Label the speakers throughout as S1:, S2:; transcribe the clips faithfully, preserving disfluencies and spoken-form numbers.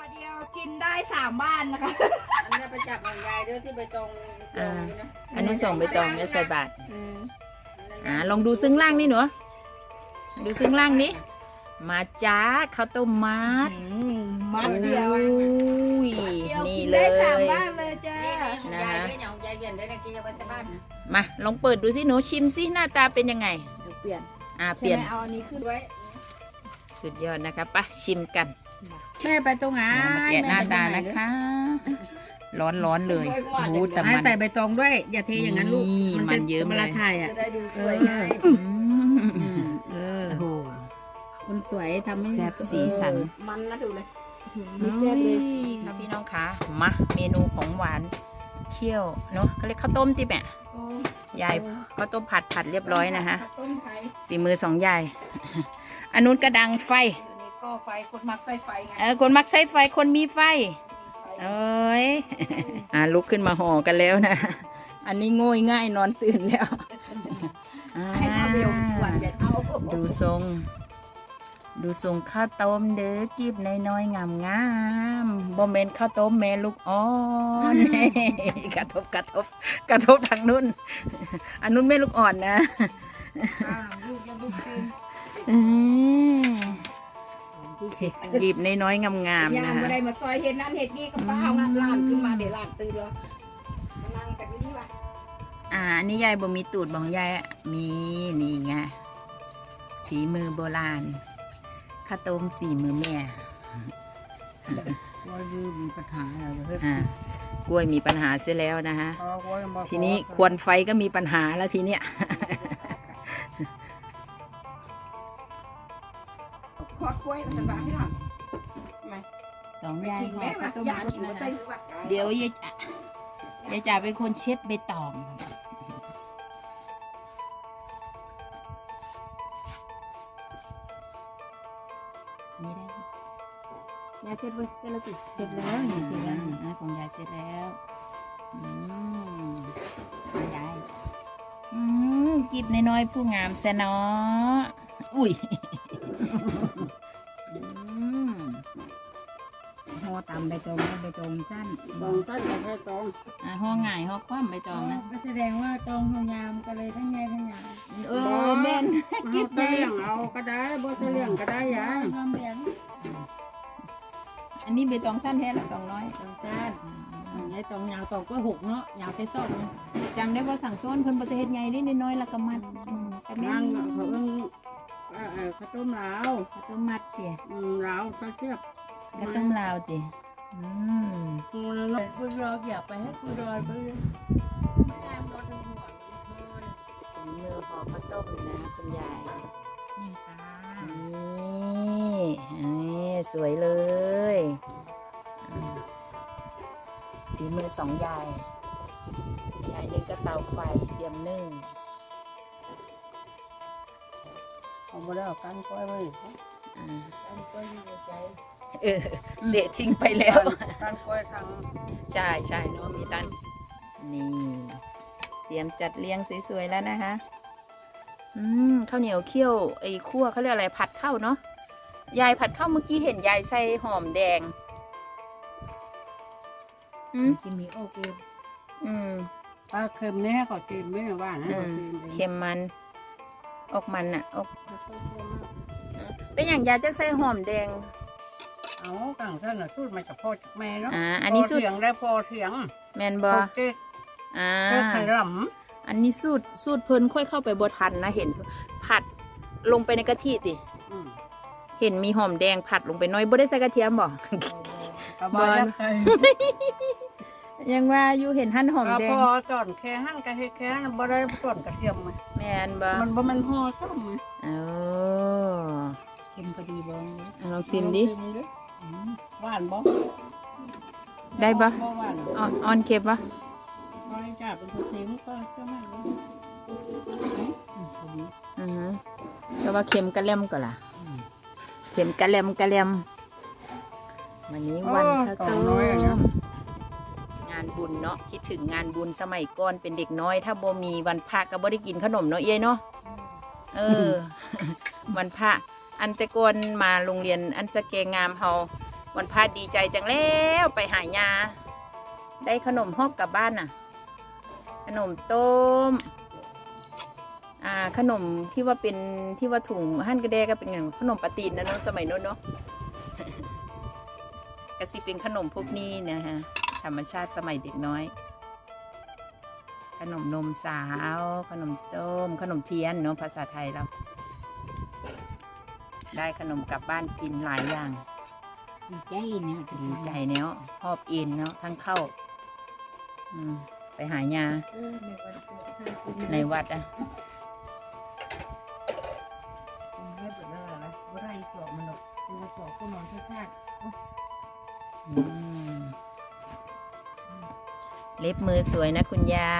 S1: เดียวกินได้สามบ้านนะคะ
S2: อันนี้ไปจับของยายด้วยที่ใบตอง
S3: อ่าอันนี้ส่งใบตองเนี่ยใส่บาตรอ่าลองดูซึ้งล่างนี่หนูดูซึ้งล่างนี้มาจ้าข้าวต้มมัด
S1: มัดเดียว
S3: อุ้ยนี่เล
S1: ได้
S3: ย
S1: สามบ้านเลยจ้า
S3: นะ
S2: ยาย
S3: คะ
S2: ด้วยอย่างยายเวียนได้นะกี้จะไปที่บ้านนะ
S3: มาลองเปิดดูสิหนูชิมสิหน้าตาเป็นยังไง
S1: เดี๋ยวเปลี่ยน
S3: อ่าเปลี่ยน
S1: เอาอันนี้ขึ้น
S2: ด้วย
S3: สุดยอดนะคะปะชิมกัน
S2: แม่ไปตรงไหน
S3: เดี๋ยวมาแกะหน้าตานะคะ ร้อนร้อนๆเลยโอ้แต่
S2: ให้
S3: มัน
S2: ใส่ใบตองด้วยอย่าเทอย่างนั้นลูก
S3: นี่มันเยิ้ม
S2: เว
S3: เล
S2: ลาย ถ่ายอ่ะ
S1: จะได้ดูส
S2: เอ
S1: วย
S2: อ
S1: ไง
S3: อืม
S2: เออ
S3: โอ้โห
S2: คนสวยทำให้
S3: แซ่บสีสัน
S1: มันนะดูเลย
S3: นี่แซ่บเลยค่ะพี่น้องคะมาเมนูของหวานเคี่ยวเนาะเขาเรียกข้าวต้มติแม่ยายข้าวต้มผัดผัดเรียบร้อยนะคะ
S1: ต้มไข่
S3: ฝีมือสองยายอันนู้นกระดังไฟ
S1: อันนี้ก็ไฟคนมักใส่ไฟไง
S3: เออคนมักใช้ไฟคนมีไฟเอ้ย อ่าลุกขึ้นมาห่อกันแล้วนะ อันนี้โง่ยง่ายนอนตื่นแล้วอ่า
S1: ให้ข้าวเบลหวานเด็ดเอา
S3: ดูทรง ดูทรงข้าวต้มเด้อกีบน้อยๆงามงามๆบ่เมนข้าวต้มแม่ลูกอ่อน กระทบกระทบกระทบทางนู้น อันนู้นแม่ลูกอ่อนนะ
S1: ลูกยังบุกคืน
S3: อืมกีบน้อยๆงามๆ
S1: ยาม
S3: นะ
S1: มา
S3: คะ
S1: ได้มาซอยเห็ดนั่นเห็ดนี่ก็ป้าเอางานลานขึ้นมาเดี๋ยวลานตื่นแล้วมานั่งกันนี่ว่ะ
S3: อ่าอันนี้ยายบ่มีตูดบองยายอะมีนี่ไงฝีมือโบราณข้าวต้มฝีมือแม่
S2: ว่ายืมมีปัญหาอะไรเฮ้ย
S3: อ่ากล้วยมีปัญหาเสียแล้วนะฮะ
S2: พอว่ายังบอก
S3: ทีนี้ควนไฟก็มีปัญหาแล้วทีเนี้ย
S1: ขอดกล้วยมันจะบ้าให้หน่อย
S3: สองยาย
S1: กิน
S3: ห่อ
S1: แม่
S3: ข้าวต้ม
S1: อยาก
S3: มัด
S1: กิน
S3: นะ
S1: ใส่
S3: คะ
S1: วัด
S3: เดี๋ยวยายจ๋ายายจ๋าเป็นคนเช็ดใบตองนี่ได้ ยายเสร็จเลยเสร็จแล้วจิ
S2: เสร็จแล้วนี่เสร็จแล้ว
S3: อ่าของยายเสร็จแล้วอืมของยายอืมกิบน้อยๆผู้งามแสนออุ้ยอืม
S2: ห่อตามใบตองใบตองสั้น
S1: ตองต้นกับแค่ตอง
S3: อ่าห่อง่ายห่อคว่ำใบตองนะ
S2: ก็แสดงว่าตองห่อยามก็เลยทั้งยายทั้งยาย
S3: เออแม่น
S1: กินเลี้ยงเอาก็ได้บ่จะเลี้ยงก็ได้ยาย
S2: ความเลี้ยง
S3: อันนี้ใบตองสั้นแท้หรือตองน้อย
S2: ตองสั้นยายตองยาวตองก็หกเนาะยาวไปซ่อนเนาะ
S3: จำได้ว่าสั่งซ้อนเพิ่นบ่สิเฮ็ดใหญ่นิดน้อยๆแล้วก็มัดอืมแต่แม่
S1: นั่ง
S3: น
S1: เขาเอิ้งเอ่อเอ่อข้าวต้มลาว
S3: ข้าวต้มมัดเตี๋ย
S1: อืมลาวใส่เสียบ
S3: ข้าวต้มลาวเตี๋ยอืม
S1: กูแล้วเนาะ
S2: คุณรออยากไปให้คุณรอไป
S3: ฝีมือห่อข้าวต้มนะคุณยาย
S2: นี่ค่ะ
S3: นี่นี่สวยเลยอ่าฝีมือสองยาย ยายนึ่งก็เตาไฟเตรียมนึ่ง
S1: เอาบ่ได้เอากันก้อยไว้
S3: อ่า
S1: กันก้อยอยู่ในใจ
S3: เออเดะทิ้งไปแล้ว
S1: กันก้อยทาง
S3: ใช่ใช่เนาะมีตันนี่ เตรียมจัดเรียงสวยๆแล้วนะคะ อืมข้าวเหนียวเคี่ยวไอ้คั่วเขาเรียกอะไรผัดข้าวเนาะยายผัดข้าวเมื่อกี้เห็นยายใส่หอมแดง อืม
S2: กินมีโอเค
S3: อืม
S1: ปลาเค็มเนี่ยขอชิมไม่ว่านะ
S3: อื
S1: ขอ
S3: ม
S1: ชิม
S3: เค็มมันออกมันอะออกเป็นอย่างยายจะใส่หอมแดง
S1: เอาต่างท่านน่ะสูตรมาจากพ่อจากแม่เนาะ
S3: อ่าอันนี้สูตร
S1: เถียงได้พอเถียง
S3: แมน
S1: พ
S3: บอ
S1: อเจ๊ก
S3: อ่า
S1: เจ๊กไข่หล่
S3: อันนี้สูตรสูตรเพิ่นค่อยเข้าไปบทันนะเห็น ผัดลงไปในกะทิติ
S1: ำอืม
S3: เห็นมีหอมแดงผัดลงไปน้อยบ่ได้ใส่กระเทียมบ่
S1: กระบอยใส่
S3: ยังว่าอยู่เห็นหั่นหอม
S1: กระ
S3: แด
S1: พ
S3: ง
S1: อจอนแค่หั่นกะเฮ็ดแค่นั้นบ่ได้จอนกระเทียมไหม
S3: แมนบ่
S1: มันบ่แมันห่อซ้ำไหม
S3: เออ
S2: กินพอดีบ่
S3: ลองชิมดิ
S1: อืมหวานบ่
S3: ได้บ่
S1: บ่หวาน
S3: อ่อนอ่อนเค็มบ่
S1: บ่ได้จ้าเป็นคนเค็มก็ใช่ไหมเนาะอืมพอดี
S3: อือฮึแต่ว่าเค็มกะแลมก็ล่ะเค็มกะแลมกะแลมวันนี้วันข้าวต้มงานบุญเนาะคิดถึงงานบุญสมัยก่อนเป็นเด็กน้อย ถ้าบ่มีวันพระก็บ่ได้กินขนมเนาะเอ้ยเนาะเออ วันพระอันแต่ก่อนมาโรงเรียนอันสะเกงามเฮาวันพาดีใจจังแล้วไปหายาได้ขนมฮอบกลับบ้านน่ะ ขนมต้มอ่าขนมที่ว่าเป็นที่ว่าถุงหั่นกระแดก็เป็นอย่างขนมปาตีนนะเนาะสมัยโน้นเนาะ ก็สิเป็นขนมพวกนี้นะฮะธรรมชาติสมัยเด็กน้อย ขนมนมสาว ขนมต้ม ขนมเทียนเนาะภาษาไทยเรา ได้ขนมกลับบ้านกินหลายอย่าง
S2: ดีใจเนี่ย
S3: ดีใจเนาะหอบเอ็นเนาะทั้งเข้าอืมไปหายาในวัดอะ
S2: ไม่เปิดแล้วนะว่าไรจอบมันหรอกตัวจอบก็นอนชาติ
S3: อืมเล็บมือสวยนะคุณยาย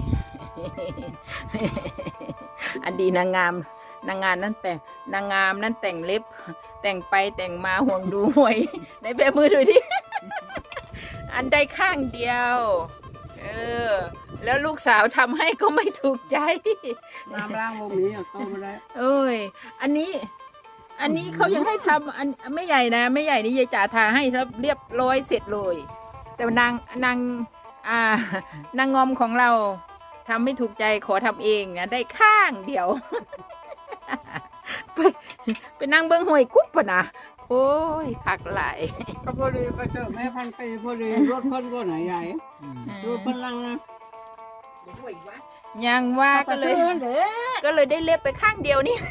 S3: อันดีนางงามนางงามนั่นแต่นางงามนั่นแต่งเล็บ แต่งไปแต่งมาห่วงดูหวยในแบบมือดูดิ อันใดข้างเดียว เออ แล้วลูกสาวทำให้ก็ไม่ถูกใจ
S1: น้ำล้างบ่มีอ่ะโตมาได้
S3: โอ้ย อันนี้ อันนี้เขายังให้ทำอันไม่ใหญ่นะไม่ใหญ่นี่ยายจ๋าทาให้ครับเรียบร้อยเสร็จเลย แต่นางนางอ่านางงอมของเราทำไม่ถูกใจขอทำเองนะได้ข้างเดียว ไปไปนั่งเบิ้งหวยกุ๊บปะนะโอ้ยคักหลาย
S1: ก็พอดีไปเจอแม่พันปีพอดีรถเพิ่นก็ไหนใหญ่รถเพิ่นลังนะ
S3: ยังว่าก็เลย ก็เลยได้เล็บไปข้างเดียวนี่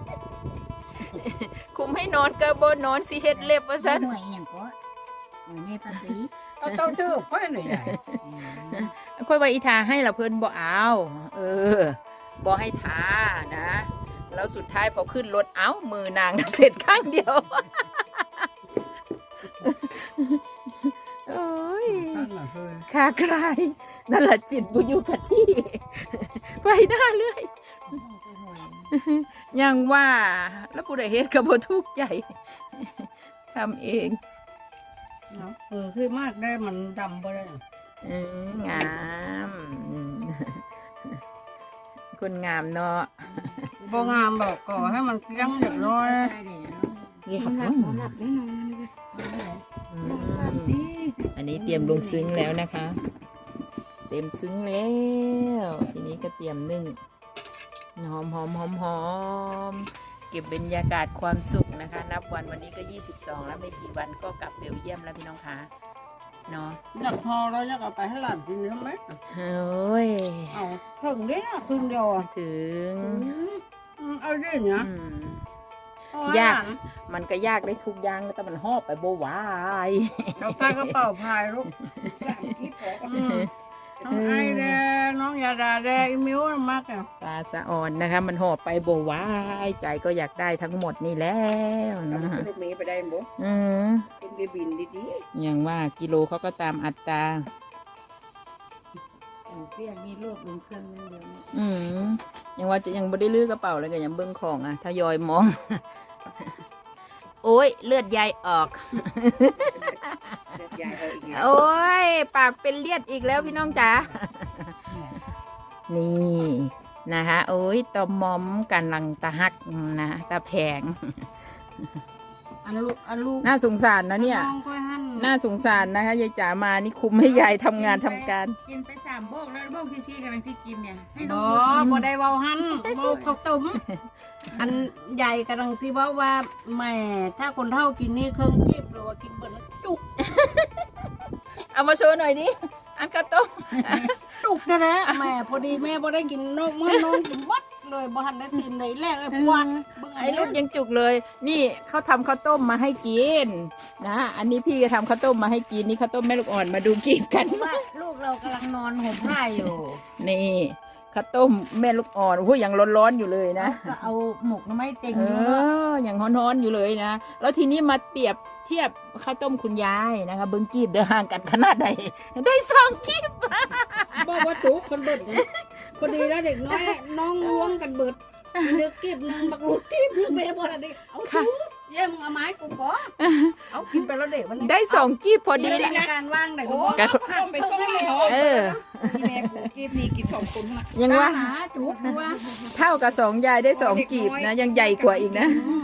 S3: คุมให้นอนก็บ่นอนสิเฮ็ดเล็บว่าซั่น
S2: หวยอย่างก็หวยแม่พันปี
S1: เอาเต้าชื่อค่อยหน่อยใหญ่
S3: ค่อยว่าอีทาให้ละเพิ่นบ่เอาเออบ่ให้ทานะ แล้วสุดท้ายพอขึ้นรถเอ้ามือนางเสร็จข้างเดียว โอ้ย
S1: สั้นล่ะเคย
S3: คาใครนั่นแหละจิตบุอยู่กับที่ ไปหน้าเรื่อยยังว่าแล้วผู้ใดเฮ็ดก็บ่ทุกข์ใจ ทำเอง
S1: เนาะเออคือมากได้มันดำบ่ได้
S3: อืมงามอืมคนงามเนาะ
S1: บ่งามแบบก่อให้มันเกลี้ยงเรียบร้อย
S3: หลับหลับแน่นอนอันนี้เตรียมลงซึ้งแล้วนะคะ เต็มซึ้งแล้ว ทีนี้ก็เตรียมนึ่งหอมหอมหอมหอมเก็บบรรยากาศความสุขนะคะ นับวันวันนี้ก็ยี่สิบสองแล้วไม่กี่วันก็กลับเบลเยียมแล้วพี่น้องคะเนาะ
S1: อยากพอแล้วอยากเอาไปให้หลานกินทำไหม
S3: โอ้ย
S1: เอาถึงได้นะคืนเดียวอ่ะ
S3: ถึง
S1: อืมเอาได้เนี่ย
S3: อืม
S1: เอาให้
S3: ยาก
S1: หลน
S3: มันก็ยากได้ทุกอย่างแต่มันหอบไปโบไหวาย
S1: เราใส่กระเป๋าพายลูกอืมน้องไอแดงน้องยาดาแดงอีมิวมากอ่ะ
S3: ตาสะอ่อนนะคะ มันหอบไปโบไหวายใจก็อยากได้ทั้งหมดนี่แล้วนะ
S1: รถเมย์ไปได้บ่
S3: อืม
S1: เป็นเบบินดี
S3: อย่างว่ากิโลเขาก็ตามอัตรา
S2: เปี้ยมีโลดลงเครื่องนั่นเดียว
S3: อืมยังว่าจะยังไม่ได้ลื้อกระเป๋าเลยก็ยังเบิ้งของอ่ะทยอยมอง โอ้ยเลือดยายออก
S1: ๆยายเอาอีกแล้ว
S3: โอ้ยปากเป็นเลือดอีกแล้วพี่น้องจ๋า นี่นะคะโอ้ยตอมมอมกันลังตะฮักนะตาแผง
S1: อันลูกอันลูก
S3: น่าสงสารนะเนี่ย
S1: น้องก็หั่น
S3: น่าสงสารนะคะยายจ๋ามานี่คุมให้ยายทำงานทำการ
S2: กินไปสามโบกแล้วโบกที่ซี่กำลังที่กินเนี่ยให้
S1: บ่
S2: น้อง
S1: บ่ได้เว้าหั่นเว้าข้าวต้มอันใหญ่กำลังที่เว้าว่าแหม่ถ้าคนเฒ่ากินนี่เครื่องจีบหรือว่ากินเบิดแล้วจุก
S3: เอามาโชว์หน่อยดิ อันกระต้ม
S1: จุกนะนะแหม่พอดีแม่บ่ได้กินนอกมื้อนอนกินวัดเลยบ่ทันได้ตื่นเลยแรกเลยปวดเบิ่ง
S3: ไอ้ลูกยังจุกเลย นี่เขาทำข้าวต้มมาให้กินนะ อันนี้พี่ก็ทำข้าวต้มมาให้กิน นี่ข้าวต้มแม่ลูกอ่อนมาดูกินกัน
S2: ว่าลูกเรากำลังนอนห่มผ้าอยู่
S3: นี่ข้าวต้มแม่ลูกอ่อนโอ้ยยังร้อนๆอยู่เลยนะ
S2: ก็เอาหมกน้ำไม้เต็ง
S3: เอ
S2: ดูเนาะ
S3: อยังร้อนๆอยู่เลยนะ แล้วทีนี้มาเปรียบเทียบข้าวต้มคุณยายนะคะเบิ้งกีบเดินห่างกันขนาดใดได้สองกีบ
S1: บอกว่าจุกกันเบิดนะพอดีแล้วเด็กน้อยน้องล้วงกันเบิดเลือกกีบนึงบักรูดกีบนึงแม่บ่ได้เอาจุกเย่มึงเอาไม้กูก่อเอากินไปแล้วเด็กวันนี้
S3: ได้สองกีบพอดี
S2: มี
S3: เลย
S2: การว่างไหนก็
S3: ก็
S1: ต้องไปส่งให้หมอ
S3: เออ
S1: แม่กูกีบนี่กินสองคนนะ
S3: ยังว่า
S2: หาจุกว่า
S3: เท่ากับสองยายได้สองกีบนะ ยังใหญ่กว่าอีกนะ
S1: อืม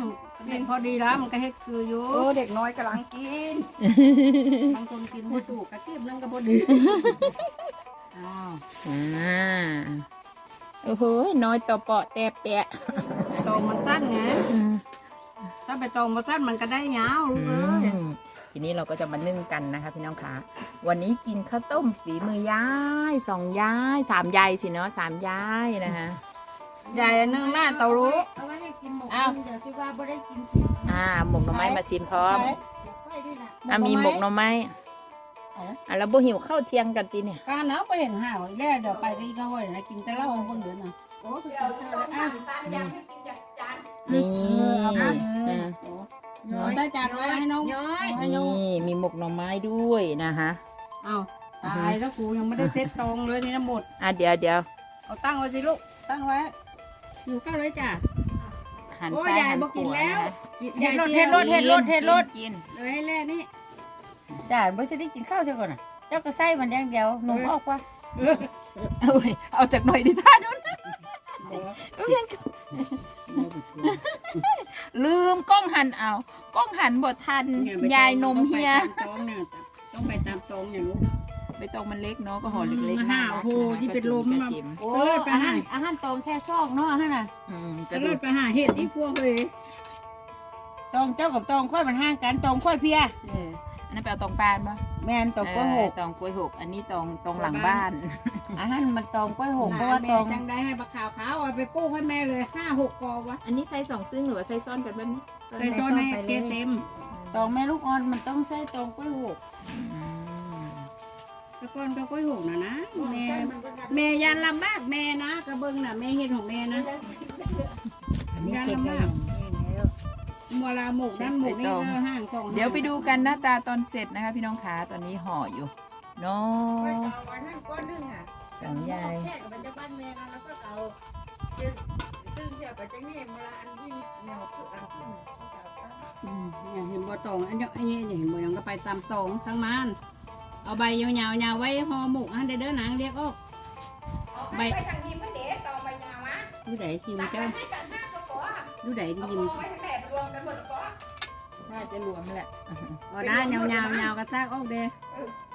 S1: กินพอดีแล้วมันก็เฮ็ดคืออยู่เออเด็กน้อยกำลังกินบางคนกินบ่ถูกกระเทียมนั่นก็บ่ดีอ้าว
S3: อ่าโอ้โหน้อยต่อเปาะแต่แปะ
S1: ตองมันสั้นไง
S3: อืม
S1: ถ้าไปตองมาสั้นมันก็ได้ยาวลูกเอ้ย
S3: ทีนี้เราก็จะมานึ่งกันนะคะพี่น้องคะวันนี้กินข้าวต้มฝีมือยายสองยายสามยายสิเนาะสามยายนะคะ
S1: ใหญ่อันนึงหน้าเตารู้
S2: เอาไว้ให้กินหมก
S1: อ้าว
S2: เดี๋ยวสิว่าบ่ได้กิน
S3: อ่าหมกหน่อไม้มาซิมพร้อม
S2: ไว้ด้วยนะ
S3: อ่ะมีหมกหน่อไม้อ่ะแล้วบ่หิวข้าวเที่ยงกันตีเนี่ย
S1: การเนาะไปเห็นห่าวแล่เดี๋ยวไปก็อีกก็ห้อยนะกินแต่เหล้าเบิ่งเดือนน่ะ
S2: โอ้คือกินข้าวแล้วอ่ะ
S3: นี่
S1: เอามา
S3: อ่า
S1: เอาได้จานไว้ให้น้อง
S2: ย้อย
S1: ให้น้อง
S3: นี่มีหมกหน่อไม้ด้วยนะคะ
S1: เอาตายแล้วกูยังไม่ได้เซ็ตตรงเลยนี่นะหมด
S3: อ่ะเดี๋ยวเดี๋ยว
S1: เอาตั้งไว้สิลูกตั้งไว้อยู่ข้าวเลยจ้ะ
S3: หัน
S1: โอ้ย
S3: ซ้าย
S1: ยาย
S3: หัน
S1: บ่
S3: ข
S1: กิน
S3: วา
S1: แล้ว
S3: นะคะ
S1: ยาย
S2: เฮ็ดรถเฮ็ดรถเฮ็ดรถ
S3: กิน
S1: เลยให้แล่นี่
S2: จ้าบ่สิได้กินข้าวเจ้าก่อนน่ะเจ้าก็ใส่มันอย่างเดียวหนุ่มออกว่า
S3: เอาเว้ยเอาจากหน่อยดิท่านู้นเอายังลืมกล้องหันเอากล้องหันบททันยายนมเฮีย
S1: ต้องไปตามตรงเนี่ยลูก
S3: ใบตองมันเล็กเนาะก็ห่อเล็ก
S1: มา
S3: ๆ
S1: ห้า
S3: น่ารัก
S1: โอ้โห
S3: นะคะ
S1: ที่เป็นลม
S3: กระ
S1: มา
S3: จิ๋ม
S2: โอ้อาหารอาหารตองแค่ซอกเนาะอาหารน่ะ
S3: อืมก
S1: จะ
S3: ระ
S1: เลิ
S3: ดู
S1: ศ
S3: ก
S1: ไปหาเห็ดที่พวกเลย
S2: ตองเจ้ากับตองค่อยมันห่างกันตองค่อยเพีย
S3: เอออันนั้นไปเอาตองปานปะ
S2: แม่นตองกล้วยหก
S3: เออตองกล้วยหกอันนี้ตองตองหลังบ้าน
S2: อาหารมันตองกล้วยหกเพราะว่าตอง
S1: จังได้ให้บักขาวขาวเอาไปปลูกให้แม่เลยห้าหกกอวะ
S3: อันนี้ใส่สองซึ่งหรือว่าใส่ซ้อนกันบ้างนี่
S1: ใส่ต้นให้เต็มเต็ม
S2: ตองแม่ลูกอ่อนมันต้องใส่ตองกล้วยหก
S3: อืม
S1: ตะกอนก็กล้วยหกนะนะแม่แม่ยันลำบากแม่นะกระเบื้องน่ะแม่เห็ดของแม่นะยันลำบากมัวลาหมกนั่นหมกนี่ก็ห่างสอง
S3: เดี๋ยวไปดูกันหน้าตาตอนเสร็จนะคะพี่น้องขาตอนนี้ห่ออยู่เนาะสองยาย
S2: แค่กับมันจะบ้านแม่นะแล้วก็เอาซึ่งเสียไปจังนี่เวลาอันที่แนวคืออันที่
S1: อย่างเห็นบัวตองอันนี้อันนี้เห็นบัวยังก็ไปตามตองทั้งมันเอาใบยาวๆยาวไว้ห่อหมกอันเด้อหนังเรียกออกใบ
S2: ไปทางนี้มันเด็กต่อไปยาวะ
S1: ดูไหนทีมเจ้า
S2: ให้กันห้าก็พอ
S1: ดูไหนที
S2: เอา
S1: ม
S2: ไว้ทั้งแหนบรวมกันหมดก็
S3: น่าจะรวมแหละ
S1: อ๋อได้ยาวๆยาวกระซากออกเด้อ
S2: เออ